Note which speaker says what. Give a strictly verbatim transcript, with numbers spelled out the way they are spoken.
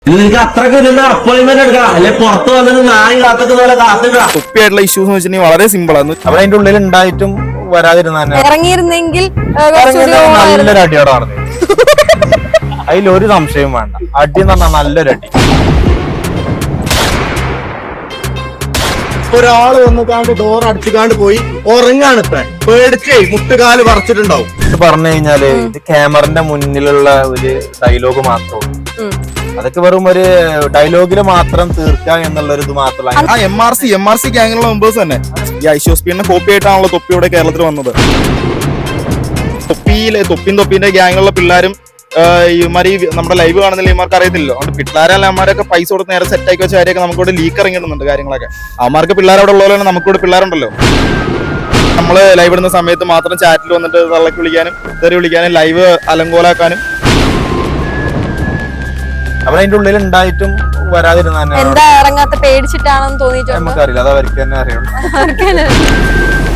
Speaker 1: നിനക്ക് അത്രക്ക് അപ്പോയിന്റ്മെന്റ് എടുക്കാം അല്ലെ പുറത്ത് വന്നിട്ട് നായി കാത്തുന്ന കാത്തുക.
Speaker 2: കുപ്പിയായിട്ടുള്ള ഇഷ്യൂസ് എന്ന് വെച്ചിട്ടുണ്ടെങ്കിൽ വളരെ സിമ്പിൾ ആണ്.
Speaker 3: അവിടെ അതിന്റെ ഉള്ളിൽ ഉണ്ടായിട്ടും വരാതിരുന്ന
Speaker 4: ഇറങ്ങിയിരുന്നെങ്കിൽ
Speaker 3: നല്ലൊരു അടിയോടെ നടന്നു. അതിലൊരു സംശയം വേണ്ട. അടി എന്ന് പറഞ്ഞാൽ നല്ലൊരു അടി.
Speaker 5: ഒരാള് വന്നിക്കാണ്ട് ഡോർ അടിച്ചുകാണ്ട് പോയി ഉറങ്ങാണ് ഇത്ര പേടിച്ചേ മുട്ടുകാല് പറിച്ചിട്ടുണ്ടാവും.
Speaker 3: പറഞ്ഞു കഴിഞ്ഞാല് ഇത് ക്യാമറന്റെ മുന്നിലുള്ള ഒരു ഡയലോഗ് മാത്രമേ അതൊക്കെ വെറും ഒരു ഡയലോഗില് മാത്രം തീർക്കുക എന്നുള്ള ഒരു ഇത് മാത്രമല്ല.
Speaker 2: ആ M R C M R C ഗ്യാങ്ങിലുള്ള മെമ്പേഴ്സ് തന്നെ ഈ ഐശോസ്പിന്റെ കോപ്പി ആയിട്ടാണല്ലോ തൊപ്പിയുടെ കേരളത്തിൽ വന്നത്. തൊപ്പിയിലെ തൊപ്പിൻ തൊപ്പിന്റെ ഗ്യാങ്ങിലുള്ള പിള്ളേരും ഇമാരി നമ്മുടെ ലൈവ് കാണുന്നില്ല, ഇമാർക്ക് അറിയത്തില്ലല്ലോ. അതുകൊണ്ട് പിള്ളേരല്ല അമ്മമാരൊക്കെ പൈസ കൊടുത്ത് നേരെ സെറ്റ് ആക്കി വെച്ച കാര്യമൊക്കെ നമുക്കിവിടെ ലീക്ക് ഇറങ്ങിയിടുന്നുണ്ട് കാര്യങ്ങളൊക്കെ. അവന്മാർക്ക് പിള്ളേർ അവിടെ ഉള്ളതുപോലെ നമുക്കിവിടെ പിള്ളേരുണ്ടല്ലോ. നമ്മള് ലൈവ് ഇടുന്ന സമയത്ത് മാത്രം ചാറ്റിൽ വന്നിട്ട് തള്ളക്ക് വിളിക്കാനും തെറി വിളിക്കാനും ലൈവ് അലങ്കോലാക്കാനും.
Speaker 3: അവിടെ അതിന്റെ ഉള്ളിൽ ഉണ്ടായിട്ടും വരാതിരുന്ന
Speaker 4: എന്താ ഇറങ്ങാത്ത പേടിച്ചിട്ടാണെന്ന് തോന്നിയിട്ടുണ്ട്.
Speaker 3: നമുക്കറിയില്ല, അത് അവർക്ക് തന്നെ അറിയുള്ളൂ.